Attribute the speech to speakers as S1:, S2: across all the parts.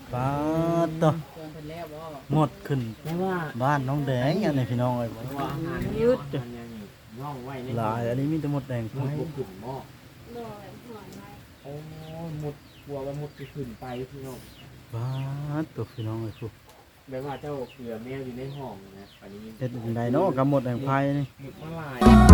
S1: ป้าต่อ
S2: เพิ่นแล้วบ่
S1: หมดขึ้นบ้านน้องแดงอันนี้พี่น้องเอ้ย
S3: ว่าอาหารยืดอันนี้ย่องไว้ใน
S1: หลายอันนี้มีแต่หมดแดงไฟ
S3: มุดขึ้นหม้อ
S4: โดยหัวไม้
S3: โอ้มุดกลัวว่ามุดขึ้นไปพี่น้อง
S1: ป้าต่อพี่น้องเอ้ยครู
S3: แบบว่าเจ้าเกลือแมวอยู่ในห้องนะอันนี้
S1: เฮ็ดจังไดเนาะกับหมดแดงไฟนี่
S3: มุดมาลาย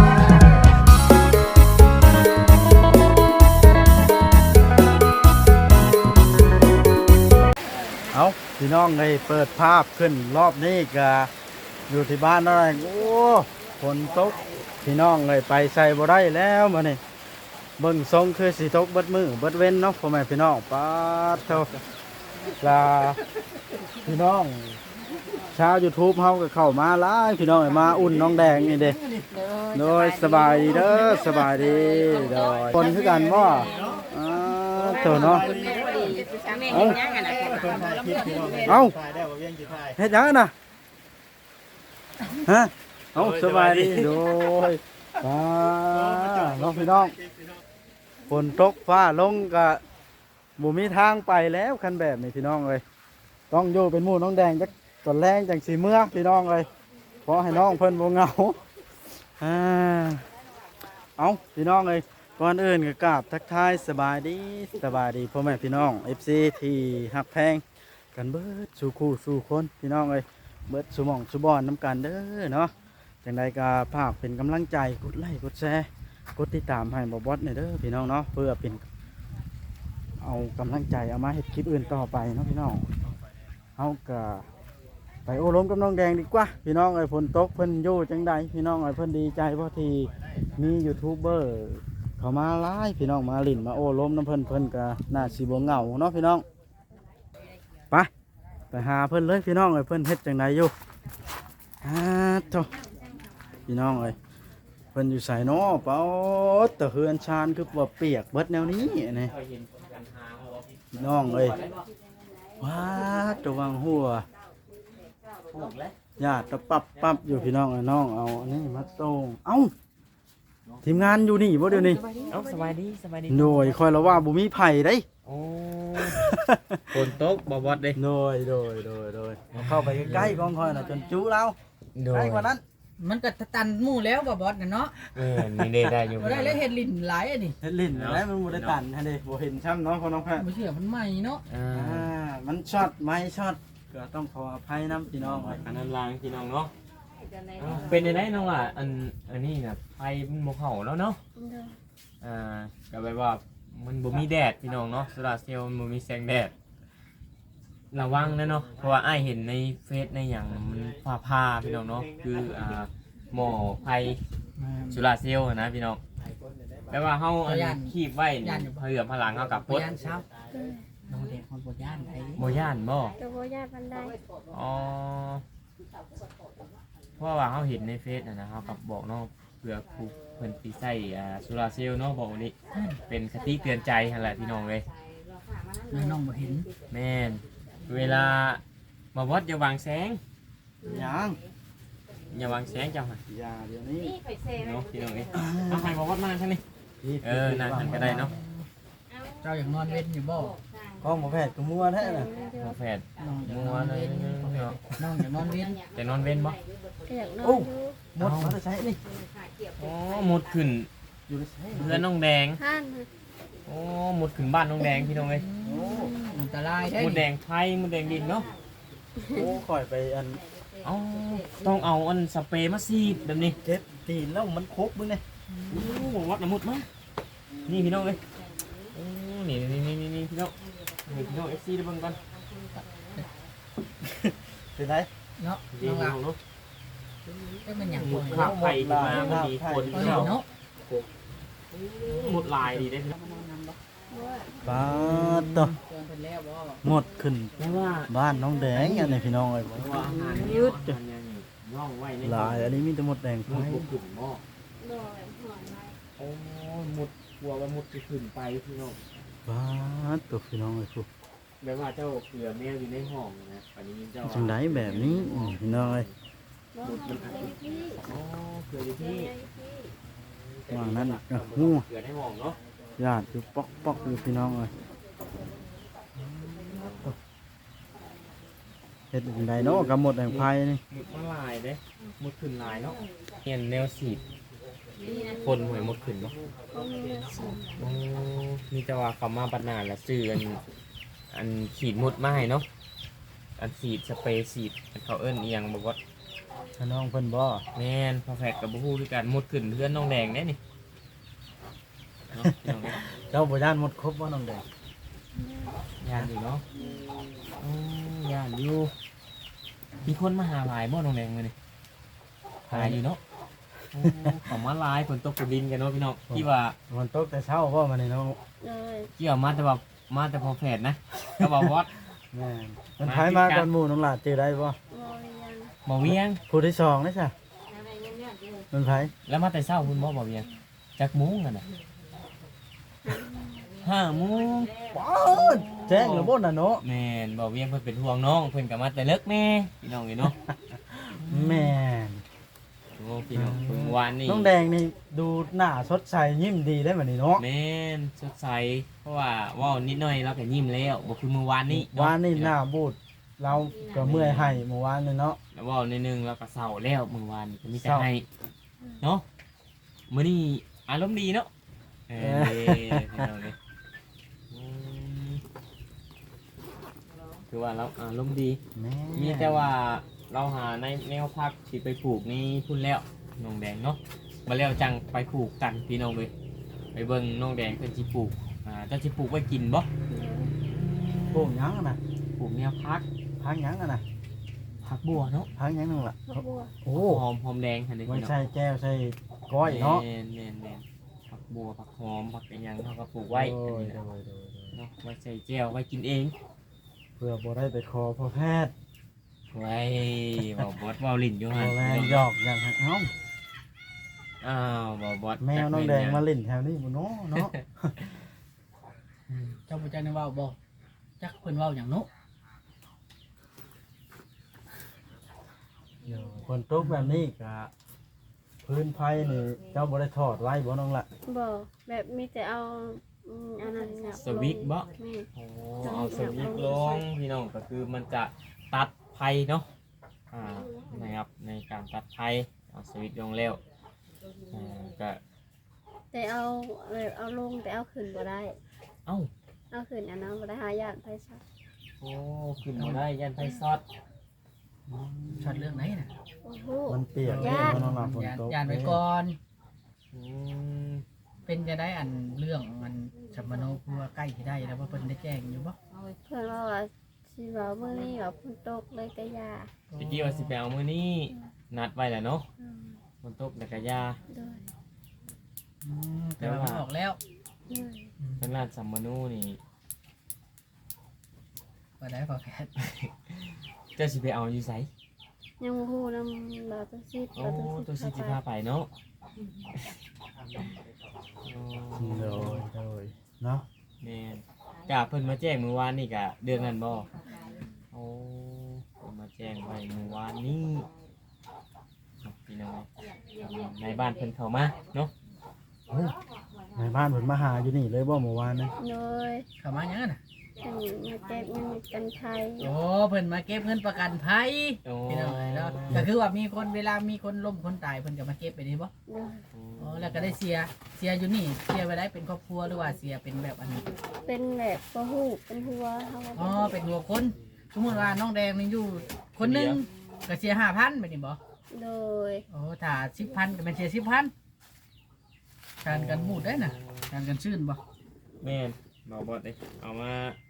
S1: เอาพี่น้องเลยเปิดภาพขึ้นรอบนี้ก็อยู่ที่บ้านอะไรโอ้ฝนตกพี่น้องเลยไปใส่บ่ได้แล้วมื้อนี้เบิ่งทรงคือสิตกเบิดมือเบิดเว้นเนาะพ่อแม่พี่น้องป้าดเท่าลาพี่น้องชาว YouTube เฮาก็เข้ามาหลายพี่น้องเอ้ยมาอุ่นน้องแดงนี่เด้โดยสบายดีเด้อสบายดีโดยคนคือกันบ่เท่าเนาะ เอ้าเอ้าเฮ็ดหยังกันน่ะฮะเอ้าสบายดีโดยน้องพี่น้องฝนตกฟ้าลงก็บ่มีทางไปแล้วคันแบบนี้พี่น้องเอ้ยต้องอยู่เป็นหมู่น้องแดงจักตอนแรงจังสิเมื่อพี่น้องเอ้ยขอให้น้องเพิ่นบ่เหงาเอ้าพี่น้องเอ้ยก่อนอื่นก็กราบทักทายสบายดีพ่อแม่พี่น้อง FC ที่ฮักแพงกันเบิดสู่คู่สู่คนพี่น้องเอ้ยเบิดสู่หม่องสู่บอนน้ำกันเด้อเนาะจังใดก็ภาคเป็นกำลังใจกดไลค์กดแชร์กดติดตามให้บ่บอสหน่อยเด้อพี่น้องเนาะเพื่อเป็นเอากำลังใจเอามาเฮ็ดคลิปอื่นต่อไปเนาะพี่น้องเฮาก็ไปโอ้ล้มกับน้องแดงดีกว่าพี่น้องเอ้ยฝนตกเพิ่นอยู่จังใดพี่น้องเอ้ยเพิ่นดีใจเพราะที่มียูทูบเบอร์เขามาหลายพี่น้องมาลิ้นมาโอ้ล้มน้ำเพิ่นก็น่าสิบ่เหงาเนาะพี่น้องไปหาเพิ่นเลยพี่น้องเอ้ยเพิ่นเฮ็ดจังใดอยู่โธ่พี่น้องเอ้ยเพิ่นอยู่ไสเนาะเป้าตะเฮือนชานคือว่าเปียกเบิดแนวนี้นี่
S3: เคยเห็นกันหาเขาบอก
S1: พี่น้องเอ้ยว้าระวังหัว
S3: ถูกแล้ว
S1: ญาติตะปั๊บอยู่พี่น้องเอ้ยน้องเอาอันนี้มาส่งเอ้าทีมงานอยู่นี่บ่เดี๋ยวนี้
S3: เอ้าสบายดี
S1: โดยคอยละว่าบ่มีไผได้
S3: โอ้ฝนตกบ่บอดเด้
S1: โดยเอาเข้าไปใกล้ๆกองคอยน่ะจนจู้เราใกล้กว่านั้น
S2: มันก็ตันหมู่แล้วบ่บอสน่ะเนาะ
S3: นี่ได้อยู่
S2: บ่ได้แล้วเฮ็ดลิ้นหลายอันนี้
S1: เฮ็ดลิ้นแล้วมันบ่ได้ตันฮะเด้บ่เห็นช้ำเนาะพ่อน้องแพทย์
S2: บ่เชื่อมันใหม่เนาะ
S1: มันช็อตไม้ช็อตก็ต้องขออภัยนํพี่น้องเอ้ย
S3: อันนั้นลางพี่น้องเนาะเป็นยังไงน้องล่ะอันนี้น่ะไฟมันบ่เข้าแล้วเนาะ
S4: โดย
S3: ก็แบบว่ามันบ่มีแดดพี่น้องเนาะโซลาร์เซลล์มันบ่มีแสงแดดระวังนะเนาะเพราะว่าอ้ายเห็นในเฟซในอย่างมันผ่าพี่น้องเนาะคือหม้อไฟโซลาร์เซลล์นะพี่น้องแปลว่าเฮาคีบไว้เผื่อพลังเฮากับ
S2: บ่
S3: ปด
S2: ย่านเช้าน้องเด็กคนบ่ย่านไอ้
S3: บ่ย่านบ่
S4: ตัวโบยาบันได
S3: อ๋อเพราะว่าเฮาเห็นในเฟซนะเฮากับบอกเนาะเผื่อผู้เพิ่นสิใช้โซลาร์เซลล์เนาะบอกว่านี้เป็นคติเตือนใจหั่นแหละพี่น้องเอ้ย
S2: น้องบ่เห็น
S3: แม่นเวลามาวัดอย่าวางแสง
S1: ยัง
S3: อย่าวางแสงเจ้าค่ะ
S1: อย่าเดี๋ยวนี้
S4: นี่ข่อยเซ่
S3: เนาะพี่น้องเอ้ยเอาใครมาวัดมาใช่ไหมนั่นทันก็ได้เนาะ
S2: เจ้าอยากนอนเว้นอยู่บ่
S1: กล้องบ่แพทย์ก็มัวแท้น่ะ
S3: พอแฟด
S2: น้องอยาก
S3: มั
S2: น
S3: ว
S2: อน
S3: เล
S2: เว้
S3: ย
S2: น
S3: เนาะ
S2: น้องอยากนอนเว้น
S3: จะนอนเว้นบ่
S4: ก็อยากนอนอยู่
S1: หมดมาใช้นี่
S3: อ๋อหมุดขึ้น
S1: อยู่ใช้
S3: เรือนน้องแดง
S4: ห้าน
S3: โอ้หมุดขึ้นบ้านน้องแดงพี่น้องเอ้ย
S2: อันตรายได้
S3: หมุดแดงไทยหมุดแดงดินเนาะ
S1: โอ้ข่อยไปอัน
S3: เอ้าต้องเอาอันสเปรย์มาซีดแบบนี้
S1: เจ็บตีนแล้วมันครบมึงเนี่ย
S3: โอ้วัดน้ำมุดมั้ยนี่พี่น้องเอ้ยโอ้นี่พี่น้องนี่พี่น้อง FC ได้เบิ่งก่อน
S1: เป็นไร
S2: เนาะ
S3: ดี
S2: น้อง
S3: พี่
S2: ล่ะ
S3: น้องเนาะ
S2: ก็มันหยัง
S3: หมุ
S2: บ่
S3: ด
S2: เห็น
S3: ภาพไฟขึ้นมามันดีคน
S2: เอ
S3: พี่
S2: อ
S3: น้อง
S2: เนาะ
S3: หมุดลายดีได้
S1: ป้าต่อ
S2: เพิ่นแล้วบ่
S1: หมดขึ้น
S3: แปลว่า
S1: บ้านน้องแดงอันนี้พี่น้องเอ้ย
S3: อาหารยืดย่องไว้ใน
S1: หลายอันนี้มีแต่หมดแดงไฟ
S3: มุดขึ้นหม้อ
S4: โดยหัวไม้
S3: โอ้มุดกลัวว่ามุดจะขึ้นไปพี่น้อง
S1: ป้าต่อพี่น้องเอ้ยครู
S3: แบบว่าเจ้าเกลือแมวอยู่ในห้องนะอันนี้เจ้า
S1: จังไดแบบนี้พี่น้องเอ้ย
S4: บ่หันไปพี่
S3: โอ้เกลืออยู่ที่
S1: ว่านั้นก็ฮู้
S3: เกลือในห้องเนาะ
S1: ญาติอยู่ปอกอยู่พี่น้องเอ้ยฮ็ดจังไดเนาะกับหมดแห่งไผนี่
S3: หมดมาหลายเด้หมดขึ้นหลายเนาะเห็นแนวสีดคนหวยหมดขึ้นบ่
S4: ก็มีเลือดสูง
S3: โอ้มีแต่ว่าเขามาบัดนานแล้วซื้ออันขีดหมดมาให้เนาะอันสีดสเปรย์สีดอันเขาเอิ้นอีหยังบ่ว่า
S1: ถ้าน้องเพิ่นบ่
S3: แม่นพอแฟกกับบ่ฮู้คือกันหมดขึ้นเพื่อนน้องแดงแน่นี่เนาะพี่น้องเอ้ย
S1: เจ้าบ่ย่านหมดครบบ่น้องแดง
S3: ยานอยู่เนาะอืยานอยู่มีคนมาหาหลายบ่น้องแดงมื้อนี้หลายอยู่เนาะโอ้เขามาหลายฝนตกฝนดินกันเนาะพี่น้องที่ว่า
S1: มันตกแต่เช้าบ่มื้อนี้น้อง
S4: เลย
S3: เกี่ยวมาแต่ว่ามาแต่พอแฟดนะก็บอกวอด
S1: แม่นมันไผมาก่อนหมู่น้องหลาดจื้อได้บ่
S4: บริยัง
S3: บ่เวียง
S1: ผู้ที่สองนี่จ้ะมันไผ
S3: แล้วมาแต่เช้าคุณบ่เวียงจักโมุ้งกันน่ะ5 โมง
S1: ป๊าดแจ้งแล้วบ่น่ะเนาะ
S3: แม่นบ่เวียงเพิ่นเป็นห่วงน้องเพิ่นก็มาแต่เลิกแม่พี่น้องนี่เนาะ
S1: แม่น
S3: โอ้พี่น้องเพิ่งวานนี่
S1: น้องแดงนี่ดูหน้าสดใสยิ้มดีได้บัดนี้เนาะ
S3: แม่นสดใสเพราะว่าเว้านิดหน่อยเราก็ยิ้มแล้วบ่คือเมื่อวานนี้เะ
S1: วานนี่หน้าบูดเราก็เมื่อยให้เมื่อวานนี่เนาะ
S3: แล้วเว้านิดนึงแล้วก็เศร้าแล้วเมื่อวานนี่ก็มีแต่
S1: เศร้า
S3: ให้เนาะมื้อนี้อารมณ์ดีเนาะพี่น้องนี่อืมคือว่าเราอารมณ์ดี
S1: แม่
S3: มีแต่ว่าเราหาในแนวพักที่ไปปลูกนี่พุ่นแล้วน้องแดงเนาะมาแล้วจังไปปลูกกันพี่น้องเลยไปเบิ่งน้องแดงเพิ่นสิปลูกเจ้าสิปลูกไว้กินบ่
S1: ปลูกหยังอะน่ะ
S3: ปลูกแนวพัก
S1: พักหยังอะน่ะ
S3: ผักบัวเนาะ
S1: พักหยังนึงล่ะ
S4: บักบัว
S1: โอ้
S3: หอมแดงหั่นเด้
S1: ไว้
S3: พี่น้อง
S1: ใส่แก้วใส่ก้อยเนาะ
S3: แม่นผักบัวผักหอมผักอีหยังเฮาก็ปลูกไว้
S1: โอ้ย
S3: อันนี้
S1: โด
S3: นะ
S1: ยโดยโดย
S3: เนาะไว้ใส่แจ่วไว้กินเอง
S1: เพื่อบ่ได้ไปขอพ่อแพทย์
S3: ไว้เว้าบอดเว้าลิ้นอยู่
S1: บ่
S3: หั่น
S1: แม่นหยอกอย่างให้เอ้า
S3: อ้าวเว้าบอด
S1: แมวน้องแดงมาเล่นแถวนี้บ่เนาะเนาะ
S2: เจ้าบ่จักได้เว้าบ่จักเพิ่นเว้าหยังเนาะ
S1: เดี๋ยวคนตกแบบนี้ก็พื้นไผนี่เจ้าบ่ได้ทอดไว้บ่น้องล่ะ
S4: บ่แบบมีแต่เอาอันนั้นเนี่ย
S3: สวิกบ่
S4: แม่
S3: โอ้เอาสวิตช์ลงพี่น้องก็คือมันจะตัดไฟเนาะนะครับในการตัดไฟเอาสวิตช์ลงแล้วก็
S4: แต่เอาแบบเอาลงแต่เอาขึ้นบ่ได้
S3: เอ้า
S4: เอาขึ้นอันนั้นบ่ได้หาญาติไผซะ
S3: โอ้ขึ้นมาได้ยันไฟซอด
S2: ช็อตเรื่องไหนน่ะ
S4: โอ้โห
S1: มันเปียก
S4: ย่า
S1: เด้น้องล่ะฝน
S2: ยาน
S1: ตก
S2: ยานไว้ก่อน
S3: อืม
S2: เป็นจะได้อันเรื่องมันสัมมโนครัวใกล้สิได้แล้วว่าเพิ่นได้แจ้งอยู่บ่
S4: เพิ่นว่าสิเว้ามื้อนี้ว่าฝนตกเลยก็ย่า
S3: ตะกี้ว่าสิไปเอามื้อนี้นัดไว้แล้วเนาะ
S4: อืม
S3: ฝนตกแล้วก็ยา
S4: โดย
S2: แต่ว่ามันออกแล้ว
S4: โดย
S3: ทางด้านสัมมนูนี่
S2: ก็ได้พอแพทย์
S3: เจ้าสิไปเอาอยู่ไส
S4: ยังบ่ฮู้นำบ่าวตัวซิด
S3: โอ้
S4: บ่าว
S3: ตั
S4: ตัว ว
S3: สิ
S4: ซิด
S3: สิ
S4: เข้า
S3: พา
S4: ไป
S3: ไปเนาะ
S1: โดยโดยเนาะ
S3: แม่นกะเพิ่นมาแจ้งเมื่อวานนี่กะเดือนนั้นบ่โอ้เพิ่นมาแจ้งไว้เมื่อวานนี้พี่น้องในบ้านเพิ่นเข้ามาเนาะ
S1: เฮ้ยในบ้านเพิ่นมาหาอยู่นี่เลยบ่เมื่อวานนี่
S4: โดย
S2: เข้ามาหยังน่ะ
S4: เพิ่นมาเก็บเงินกันไทย
S2: โอ้เพิ่นมาเก็บเงินประกันภัย
S3: โอ้
S2: พี่น้องเนาะก็คือว่ามีคนเวลามีคนล้มคนตายเพิ่นก็มาเก็บไปนี่บ่
S4: โดย
S2: อ๋อแล้วก็ได้เสียอยู่นี่เสียไว้ได้เป็นครอบครัวหรือว่าเสียเป็นแบบอันนี้
S4: เป็นแบบบ่ฮู้เป็นหัวเฮา
S2: อ๋อเป็นหัวคนสมมุติว่าน้องแดงนี่อยู่คนหนึงก็เสีย5,000แบบนี้บ่
S4: โดย
S2: โอ้ถ้า10,000ก็เป็นเสีย10,000การกันบูดได้น่ะการกันชื่นบ่
S3: แม่นบ่บ่ได้เอามา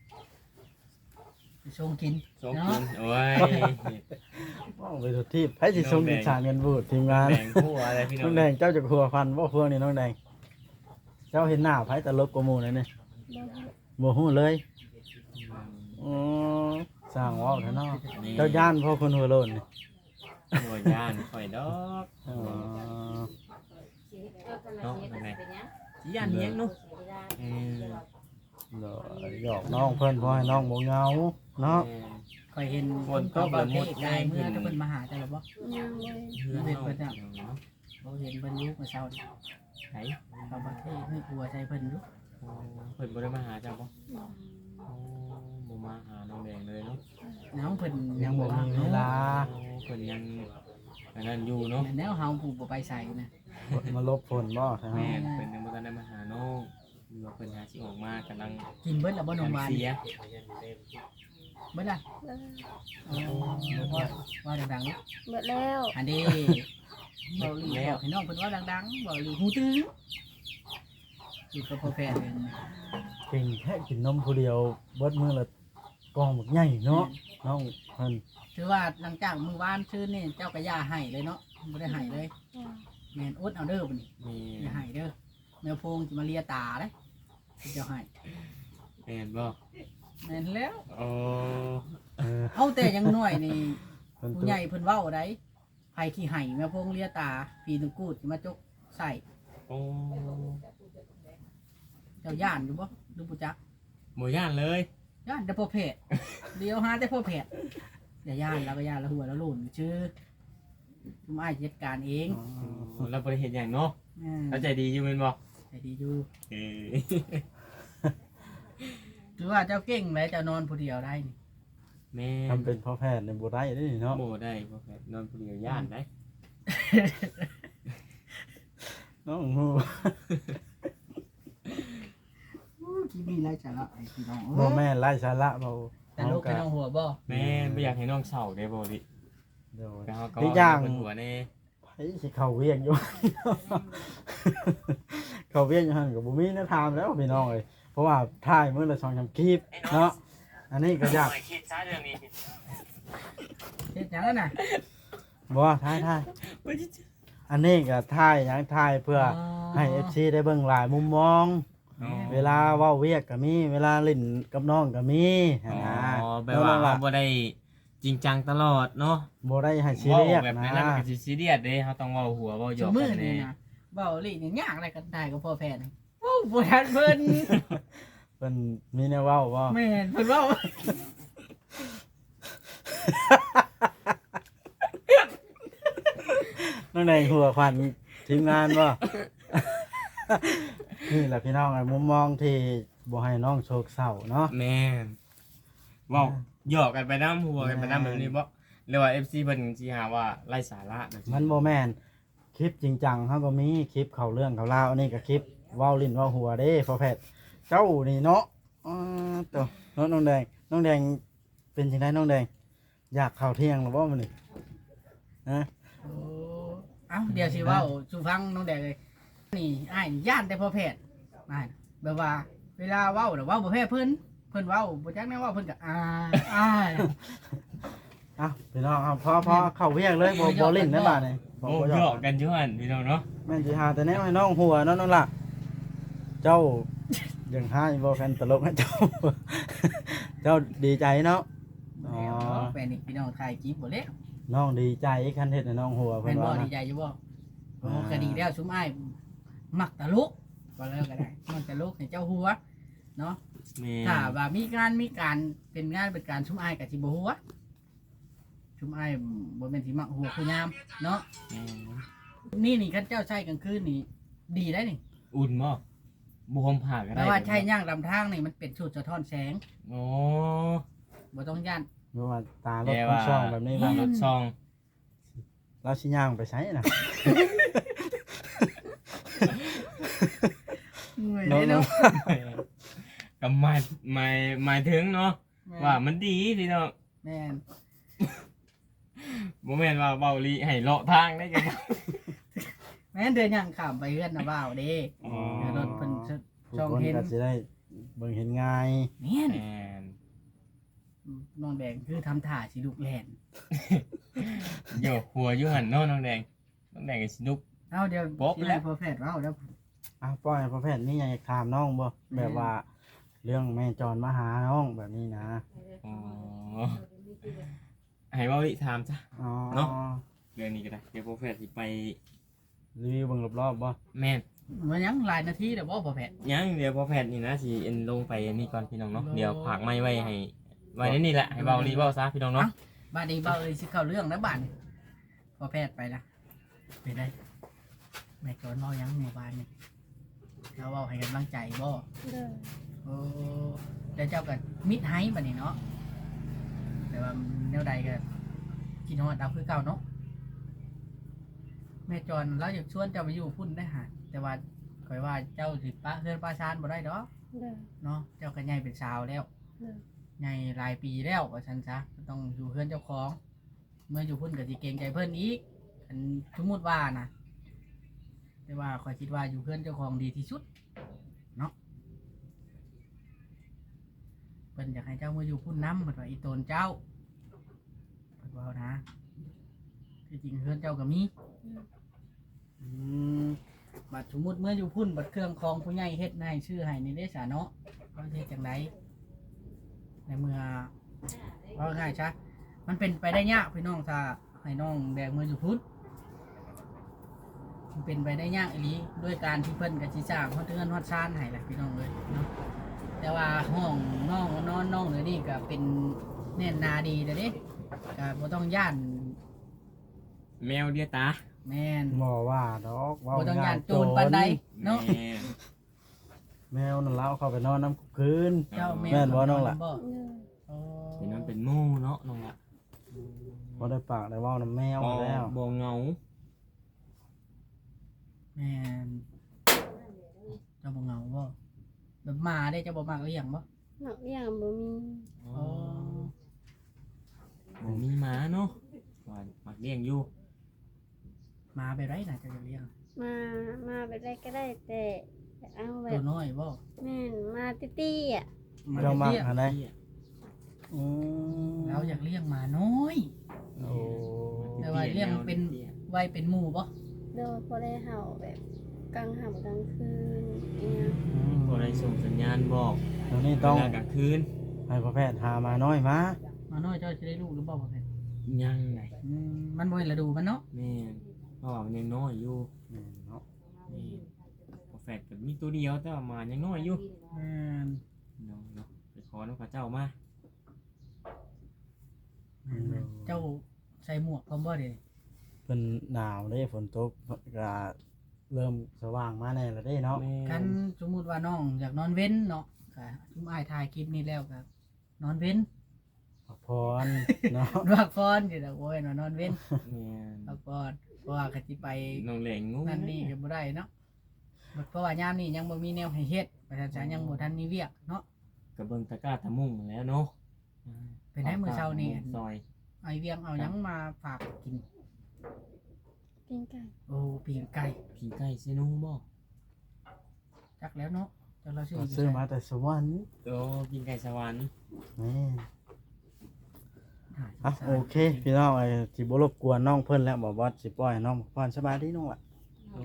S2: ไปชงกิน
S3: ส่ง
S2: เนาะ
S3: กินโอ้ย
S1: ว้าวไปทุกที่ไผสิส่งอีสานกันบูดทีมงาน
S3: แบ่งคู่อะไรพี่น้
S1: น้
S3: อ
S1: อง งแดงเจ้าจะครัวฟันบ่พวกนี้น้องแดง เจ้าเห็นหน้าไผตลกกว่าหมู่เลยนี่
S4: บ่ฮู้
S1: บ่ฮู้เลยอ๋อสร้างเว้าแท้เนาะเจ้าย่านพ่อคนหัวโลนนี่
S3: หัวย่านข่อยดอก
S1: อ๋อ
S3: เนาะนั่นแหละ
S2: สิย่านเลี้ยงเนาะ
S3: อืม
S1: เดี๋ยวหยอกน้องเพิ่นบ่ให้น้องบ่เหงาเนาะ
S2: ค่อยเห็น
S3: ฝนตกแล้วหมด
S2: ไกลเมื่อถ้าเพิ่นมาหาจังบ่
S4: ยังบ่
S3: เพื่อนเพิ่นเนาะ
S2: บ่เห็นเพิ่นอยู่เมื่อเช้านี่
S3: ไหน
S2: เขาประเทศให้กลัวใจเพิ่นอยู่
S3: เพิ่นบ่ได้มาหาเจ้าบ่โอ้บ่มาหาน้องแดงเลยเนาะ
S2: บน้องเพิ่น
S1: ยังบ่มีเวลา
S3: เพิ่นยังอันนั้นอยู่เนาะ
S2: แนวเฮาผู้บ่ไปใส่นะ
S1: มาลบฝนบ่ใช่ไหม
S3: แม่นเพิ่นยังบ่ทันได้มาหาน้องหรือว่าเพิ่นหาสิออกมากำลัง
S2: กินเบิดแล้วบ่นมหวาน
S3: เสีย
S2: เบิดล่ะ
S4: เลย
S2: ว่าดังๆลูก
S4: เบิดแล้ว
S2: อันนี้เบาหลีบอกให้น้องเพิ่นว่าดังๆเบาหลีหูตึงอยู่กับพ่อแพทย์เอง
S1: เก่งแค่กินนมผู้เดียวเบิดมื้อละกองบักใหญ่เนาะน้องเพิ่น
S2: ถือว่าหลังจากมื้อวานชื่นนี่เจ้าก็ย่าให้เลยเนาะบ่ได้ให้เลย แม่นอดเอาเด้อบัดนี้
S3: มี
S2: อย่าให้เด้อแมวโพงสิมาเลียตาเด้เจ้าให้
S3: แม่นบ่
S2: แม่นแล้ว
S3: โอ้
S2: เอาแต่ยังน้อยนี่
S1: เพิ่น
S2: ผู้
S1: ตัว
S2: ใหญ่เพิ่นเว้าได้ไผขี้ให้แมวโพงเลียตาปีนึงกูดสิมาจกใส่
S3: โอ้
S2: เจ้าย่านอยู่บ่ดูบ่จัก
S3: บ่ย่านเลย
S2: ย่านแต่พ่อแพทย์เดี๋ยวหาแต่พ่อแพทย์อย่าย่านแล้วก็ย่านแล้วหัวแล้วโลนชื่อชุมอ้ายจัดการเอง
S3: เราบ่ได้เฮ็ดหยังเนาะเราใจดีอยู่แม่นบ่
S2: ใจดีอยู่
S3: เออ
S2: ถือว่าเจ้าเก่งเลยเจ้านอนผู้เดียวได้นี่
S3: แม่
S1: ทำเป็นพ่อแพทย์ในบ่ได้เด้เนาะ
S3: บ่ได้บ่แม่นนอนผู้เดียวย่านได้
S1: น้องฮู้
S2: คิดมีไรสาระไอ้พี่น้อง
S1: บ่แม่นไร้สาระเบา
S2: แต่ลูกเป็นน้องหัวบ่
S3: แม่บ่อยากให้น้องเศร้าเด้บ่ดิ
S1: เดี๋ยว
S3: แต่เฮาก็
S1: อีกอย่าง
S3: เพิ่นหัวแน่
S1: ไผสิเข้าเวียงอยู่ เข้าเวียงอยู่หั่นก็บ่มีแนวทางแล้วพี่น้องเอ้ยเพราะว่าถ่ายมื้อละ2-3คลิปเนาะอันนี้ก็ยาก
S3: คิดซะเรื่องนี้
S2: เฮ็ดหยังแล้วน่ะ
S1: บ่ถ่ายอันนี้ก็ถ่ายหยังถ่ายเพื่อให้ FC ได้เบิ่งหลายมุมมอง เวลาเว้าเวียกก็มีเวลาเล่นกับน้องก็มีหั่นนะ
S3: อ๋อแบบว่าเราบ่ได้จริงจังตลอดเนาะ
S1: บ่ได้ให้ซีเรียส
S3: แบบ
S1: นะ
S3: นั้นมันก็สิซีเรียสเด้เฮาต้องเว้าหัวเว้าหย
S2: จุ
S3: อก
S2: มื
S3: กั
S2: อน นี่
S3: แน่
S2: นะเบาลี่นี่ยากอะไรกันได้กับพ่อแพทย์นี่โอ้บ่ทันเพิ่น
S1: เพิ่นมีแนวเว้าบ่
S2: แม่นเพิ่นเว้า
S1: น้องในหัวขวัญทีมงานบ่ นี่แหละพี่น้องไอ้มุมมองที่บ่ให้น้องโศกเศร้าเนาะ
S3: แม่นเว้าหยอกกันไปนำหัวกันไปนำแบบนี้บ่หรือว่า FC เพิ่นสิหาว่าไร้สาระแบบ
S1: มันบ่แม่นคลิปจริงจังเฮาก็มีคลิปเข้าเรื่องเข้าราวอันนี้ก็คลิปเว้าลิ้นเว้าหัวเด้พ่อแพทย์เจ้านี่เนาะตัวเนาะน้องแดงเป็นจังไดน้องแดงอยากเข้าเที่ยงหรือบ่มื้อนี้ฮะ
S2: โอ้เอ้าเดี๋ยวสิเว้าสู่ฟังน้องแดงเลยนี่อ้ายนี่ย่านแต่พ่อแพทย์อ้ายแบบว่า เวลาเว้าน่ะเว้าบ่แพ้เพิ่นเว้าบ่จักแน่ว่าเพิ่นก็อ้าย
S1: อ้าวพี่น้องครับพอเข้าเวียงเลยบ่ลิ้นได้บาดนี่บ่
S3: โอ้
S1: บ่
S3: ห
S1: ห
S3: ย
S1: ย
S3: อ
S1: อก ก
S3: กันอยู่หั่นพี่น้องเนาะ
S1: แม่นสิหาแต่แนวให้น้องหัวเนาะน้องล่ะเจ้ายังหาบ่แฟนตลกนะเจ้า เจ้าดีใจเนาะ อ๋อ
S2: แฟนนี่พี่น้องถ่ายคลิปบ่แล้ว
S1: น้องดีใจคันเฮ็ดให้น้องหัว
S2: แม่
S1: เพิ่น
S2: นบ่
S1: ว่า
S2: ดี
S1: นะ
S2: ใจอยู่บ่โอ้ก็ดีแล้วซุมอ้ายมักตลกก็แล้วก็ได้มันตลกให้เจ้าหัวเนาะ
S3: แม่
S2: ถ้าว่ามีการเป็นงานเป็นการชุมอ้ายกับสิบ่หัวชุมอ้ายบ่แม่นสิมักหัวคือยามเนาะ
S3: แม่
S2: นี่คันเจ้าใช้กลางคืนนี่ดีได้นี่
S3: อุ่นบ่บ่ห่มผ้าก็ได้
S2: แต่ว่าใช้ย่างลำทางนี่มันเป็นชุดสะท้อนแสง
S3: โอ้
S2: บ่ต้องย่าน
S1: บ่ว่าตารถ
S3: แต่
S1: คน
S3: ว่า
S1: ช่องแบบนี้
S3: ตา
S1: ว่าร
S3: ถช่อง
S1: เราสิย่างไปไสน่ะ
S2: เหนื่อย
S1: เนาะ
S2: เลยเนาะ
S3: ก็หมายถึงเนาะว่ามันดีพี่น้อง
S2: แม่น
S3: บ่แม่นว่าเบาลีให้เลาะทางได้จัง
S2: แม่นเดินย่างข้ามไปเฮือนน่ะว่าวเด้
S3: อ๋อ
S2: เดี๋ยวรถเพิ่น
S1: ผู้
S2: ช่อง
S1: คน
S2: เห็น
S1: ก็สิได้เบิ่งเห็นง่าย
S2: แม่น
S3: แม่น
S2: น้องแดงคือทำท่าสิลูกแล่น
S3: โยกหัวอยู่หั่นเนาะน้องแดงน้องแดงก็สินุก
S2: เอาเดี๋ยว
S3: โป๊ะ
S2: สิ
S3: แล้
S2: ให้
S3: ว
S2: พ่อแพทย์เว้าแล้ว
S1: อ้าวป้อยพ่อแพทย์นี่ยังอยากถามน้องบ่แบบว่า เรื่องแม่จรมาหาน้องแบบนี้นะ
S3: อ๋อให้เบาลีถามจ้ะ
S1: อ๋อ
S3: เนาะ เรื่องนี้ก็ได้เดี๋ยวโปรเฟสสิไป
S1: รีวิวเบิ่งรอบๆบ่
S3: แม่น
S2: มันยังหลายนาทีเดี๋ยวบ่พ่อแพทย์
S3: ยังเดี๋ยวโปรเฟสนี่นะสิเอ็นลงไปอันนี้ก่อนพี่น้องเนาะ
S2: โล
S3: เดี๋ยวผากไม้ไว้ให้ไว้ในนี่แหละให้เบาลีเบาซะพี่น้องเนาะ
S2: บ้านนี้เบาเลยสิเข้าเรื่องแล้วบ้านนี้พ่อแพทย์ไปละไปได้แม่จอนเว้ายังหมู่บ้านนี่เราเว้าให้กำลังใจบ่
S4: เลย
S2: โอ้แล้วเจ้าก็มิดไฮบัดนี้เนาะแต่ว่านวใดก็กินฮอดเอาคือเก่าเนาะแม่จอนเราอยากชวนเจ้าไปอยู่พุ่นได้หาแต่ว่าข่อยว่าเจ้าสิปะเฮือนปะชานบ่ได้ดอก
S4: เด้อ
S2: เนาะเจ้าก็ใหญ่เป็นสาวแล้ว
S4: เด้อ
S2: ใหญ่หลายปีแล้วว่าซั่นซะต้องอยู่เฮือนเจ้าของ เมื่ออยู่พุ่นก็สิเกรงใจเพิ่นอีกอันสมมุติว่านะแต่ว่าข่อยคิดว่าอยู่เฮือนเจ้าของดีที่สุดเนาะเพิ่นอยากให้เจ้ามาอยู่พุ่นนำเพิ่นว่าอีโตนเจ้าเพิ่นว่านะที่จริงเฮือนเจ้าก็มี อืมบัดสมมุติเมื่ออยู่พุ่นบัดเครื่องของผู้ใหญ่เฮ็ดให้ชื่อให้นี่ได้สาเนาะว่าเฮ็ดจังไดในเมื่อว่าง่ายซะมันเป็นไปได้ยากพี่น้องถ้าให้น้องแบกมืออยู่พุ่นมันเป็นไปได้ยากอีหลีด้วยการที่เพิ่นก็สิสร้างฮอดเรือนฮอดชานให้แหละพี่น้องเอ้ยเนาะแต่ว่าห้องน้องนอนน้องเดี๋ยวนี้ก็เป็นแน่นหนาดีเด้อเด้ก็บ่ต้องย่าน
S3: แมวเดียวตา
S2: แม่น
S1: บ่ว่าดอก
S2: บ่ต้อง
S1: ง่
S2: ย่านโจรปานใดเนาะ
S3: แม่น
S1: แมวนั่นเล่าเข้าไปนอนน้ำคืน
S2: เจ้า
S1: แม่นบ่น้องล่ะ
S2: บ่
S4: เด้อ
S2: อ๋อ
S3: เป็นมันเป็นหมู่เนาะน้องละ
S1: บ่ได้ปากได้เว้าน้ำแมว
S3: บ่
S1: แล้ว
S3: บ่เหงา
S2: แม่นเจ้าบ่เหงาบ่แบบหมาได้เจ้าบ่มักเลี้ยงบ่
S4: หมักอย่างบ่มี
S3: อ๋อบ่มีหมาเนาะว่ามักเลี้ยงอยู่
S2: หมาแบบไรน่ะเจ้าจะเลี้ยง
S4: มาแบบไรก็ได้แต่เอาแบ
S2: ตัว
S4: บ
S2: น้อยบ่
S4: แม่นมาตี้ๆอ่ะ
S2: ห
S1: เจ้ามัก
S2: เตี้ย
S1: อันใดอืม
S2: เราอยากเลี้ยงหมาน้อย
S1: โอ้
S2: แต่ว่าเลี้ยงเป็นไว้เป็นหมู่บ่
S4: โดยพอได้เห่าแบบกลางค่ำกลางคืนเนี่ย
S3: บ่ได้ส่งสัญญาณบอก
S1: ตอนนี้ต้อง
S3: เวลากลางคืน
S1: ให้พ่อแพทย์หามาน้อยมา
S2: หมาน้อยเจ้าจะได้ลูกหรือบ่บ่แม่น
S3: ยังไง
S2: มันบ่เห็นฤดูมันเนาะ
S3: แม่นเพราะว่ามันยังน้อยอยู่
S1: เนาะ
S3: นี่พอแฟดก็มีตัวเดียวแต่ว่าหมายังน้อยอยู่
S2: แม่น
S3: เนาะไปขอน้องข้าเจ้ามา
S2: แม่นเจ้าใส่หมวกพร้อมบ่เด้
S1: เป็นหนาวเด้ฝนตกก็เริ่มสว่างมาแน่แล้วเด้เนาะ
S3: แม่
S2: คันสมมุติว่าน้องอยากนอนเว้นเนาะก็ชุมอ้ายถ่ายคลิปนี้แล้วก็นอนเว้น
S1: พักผ่อนเนาะ
S2: พักผ่อนอยู่ดอกโอ้ยนอนเว้น
S3: แม่น
S2: พักผ่อนเพราะว่าก็สิไป
S3: น้องแหลงงู
S2: นั่นนี่ก็บ่ได้เนาะเพราะว่ายามนี้ยังบ่มีแนวให้เฮ็ดประชาชนยังบ่ทันมีเวียกเนาะ
S3: กระเบิงตะกร้าตะมุ่งแล้วเนาะ
S2: เป็นให้มื้อเช้านี้
S3: ซอย
S2: ไอเวียงเอาหยังมาฝากกิน
S4: กินไก่
S2: โอ้ปีงไก่
S3: ผีไก่เซนูบ่
S2: จักแล้วเนาะจักเราซื้อ
S1: ก็ซื้อมาแต่สวรรค์
S3: โอ้ผีไก่สวรรค์
S1: นี่อ่ะโอเคพี่น้องไอ้สิบ่รบกวนน้องเพิ่นแล้วบอกว่าสิปล่อยให้น้องพักผ่อนสบายดีน้องล่ะ
S3: โอ้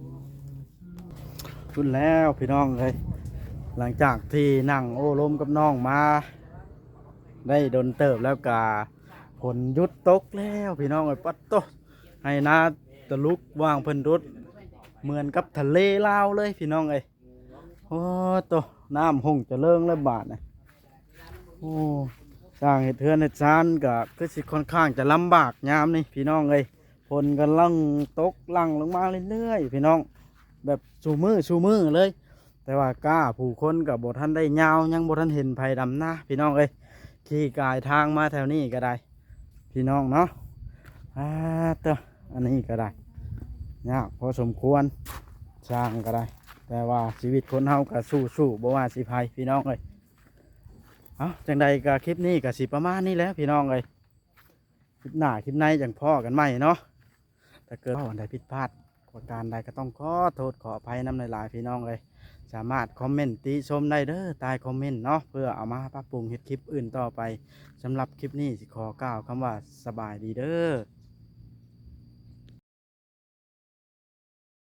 S1: ชุดแล้วพี่น้องเลยหลังจากที่นั่งโอ้ลมกับน้องมา ได้โดนเติบแล้วกาผลหยุดตกแล้วพี่น้องไอ้ยปัดโตให้นาตะลุกว่างเพิ่นรุดเหมือนกับทะเลลาวเลยพี่น้องเอ้ยโอ้โตน้ำหงจะเลิงแล้วบาดนะโอ้สร้างเห็ดเทือนเห็ดซานก็คือสิค่อนข้างจะลำบากยามนี่พี่น้องเอ้ยฝนกำลังตกหลั่งลงมาเรื่อยๆพี่น้องแบบชูมือเลย แต่ว่ากล้าผู้คนกับบท่านได้ยาวยังบท่านเห็นภัยดำหน้าพี่น้องเอ้ยขี่กายทางมาแถวนี้ก็ได้ พี่น้องเนาะเตออันนี้ก็ได้ยากพอสมควรสร้างก็ได้ แต่ว่าชีวิตคนเฮาก็สู้บ่ว่าสิภัยพี่น้องเอ้ยเอาจังใดก็คลิปนี้ก็สิประมาณนี้แหล้วพี่น้องเอ้ยคลิปหน้าคลิปในจังพ่อกันใหม่เนาะถ้าเกิดว่าวันใดผิดพลาดประการใดก็ต้องขอโทษขออภัยนำหลายๆพี่น้องเอ้ยสามารถคอมเมนต์ติชมได้เด้อใต้คอมเมนต์เนาะเพื่อเอามาปรับปรุงเฮ็ดคลิปอื่นต่อไปสำหรับคลิปนี้สิขอกล่าวคำว่าสบายดีเด้อ